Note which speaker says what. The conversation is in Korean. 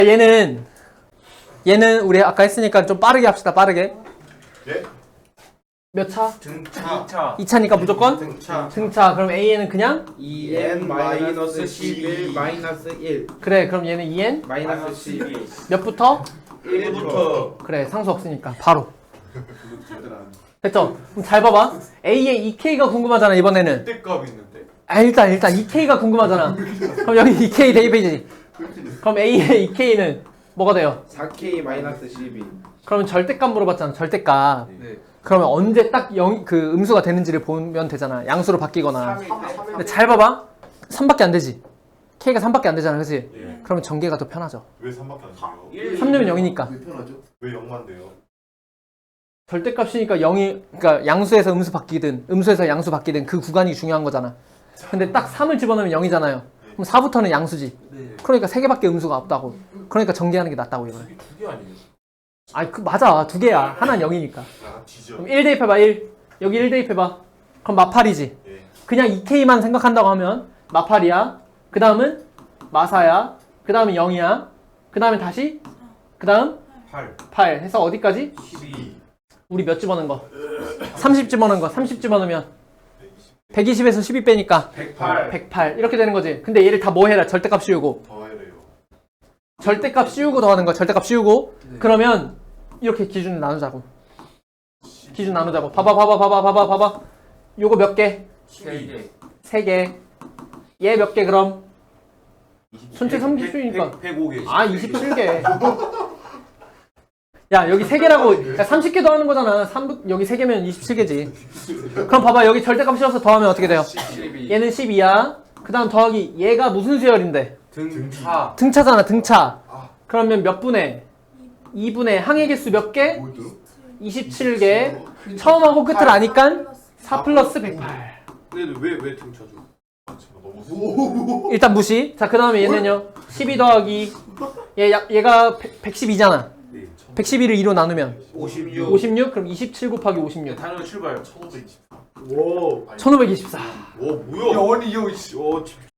Speaker 1: 얘는 우리 아까 했으니까 좀 빠르게 합시다. 빠르게.
Speaker 2: 예?
Speaker 1: 몇 차?
Speaker 3: 등차
Speaker 1: 2차니까 무조건
Speaker 3: 등차
Speaker 1: 등차. 그럼 AN은 그냥
Speaker 4: 2n 마이너스 11 마이너스 1
Speaker 1: 그래. 그럼 얘는 2N
Speaker 4: 마이너스 12
Speaker 1: 몇부터?
Speaker 3: 1부터
Speaker 1: 그래. 상수 없으니까 바로. 됐죠? 그럼 잘 봐봐. A의 2K가 궁금하잖아. 이번에는.
Speaker 2: 그때값 있는데?
Speaker 1: 일단 2K가 궁금하잖아. 그럼 여기 2K 대입해야지. 그럼 A의 2K는 뭐가 돼요?
Speaker 4: 4k 마이너스 12
Speaker 1: 그러면 절대값 물어봤잖아. 절대값.
Speaker 3: 네.
Speaker 1: 그러면 언제 딱 그 음수가 되는지를 보면 되잖아. 양수로 바뀌거나. 근데 잘 봐봐. 3밖에 안 되지. K가 3밖에 안 되잖아. 그치?
Speaker 2: 예.
Speaker 1: 그러면 전개가 더 편하죠.
Speaker 2: 왜 3밖에 안 돼요?
Speaker 1: 3 넣으면 0이니까.
Speaker 2: 왜 0만 돼요?
Speaker 1: 절대값이니까 0이, 그러니까 양수에서 음수 바뀌든 음수에서 양수 바뀌든 그 구간이 중요한 거잖아. 근데 딱 3을 집어넣으면 0이잖아요. 그럼 4부터는 양수지. 그러니까 3개밖에 음수가 없다고. 그러니까 전개하는 게 낫다고 이거는.
Speaker 2: 이게 2개 아니에요?
Speaker 1: 맞아. 2개야. 하나는 0이니까.
Speaker 2: 아 뒤져.
Speaker 1: 그럼 1 대입해봐. 1. 여기 1 대입해봐. 그럼 마팔이지.
Speaker 2: 예.
Speaker 1: 그냥 2K만 생각한다고 하면 마팔이야. 그 다음은 마사야. 그 다음은 0이야. 그 다음에 다시. 그 다음
Speaker 3: 8
Speaker 1: 8 해서 어디까지?
Speaker 3: 12
Speaker 1: 우리 몇 집어넣은 거? 30 집어넣은 거. 30 집어넣으면 120에서 12 빼니까
Speaker 3: 108
Speaker 1: 108 이렇게 되는 거지. 근데 얘를 다 뭐 해라? 절대값 씌우고.
Speaker 2: 더해래요.
Speaker 1: 절대값 씌우고 더하는 거야. 절대값 씌우고. 그러면 이렇게 기준 나누자고. 기준 나누자고. 봐봐. 요거 몇 개?
Speaker 3: 12
Speaker 1: 3개. 얘 몇 개 그럼? 전체 30수니까.
Speaker 3: 105개
Speaker 1: 27개. 야, 여기 3개라고. 야, 30개 더하는 거잖아. 여기 3개면 27개지. 그럼 봐봐. 여기 절대값 씌워서 더하면 어떻게 돼요?
Speaker 3: 12
Speaker 1: 얘는 12야. 그 다음 더하기. 얘가 무슨 수열인데?
Speaker 3: 등차
Speaker 1: 등차잖아. 등차. 그러면 몇 분의? 2분의 항의 개수 몇 개? 27개. 처음하고 끝을 아니까 4 플러스 108.
Speaker 3: 근데 왜 등차죠?
Speaker 2: 아 제가 너무
Speaker 1: 일단 무시. 자, 그 다음에 얘는요. 12 더하기. 얘가 112잖아.
Speaker 3: 네
Speaker 1: 112를 2로 나누면
Speaker 3: 56
Speaker 1: 56? 그럼 27 곱하기 56.
Speaker 3: 단어 출발
Speaker 2: 1524.
Speaker 3: 오
Speaker 1: 1524.
Speaker 3: 오 뭐야?
Speaker 2: 아니 형 씨.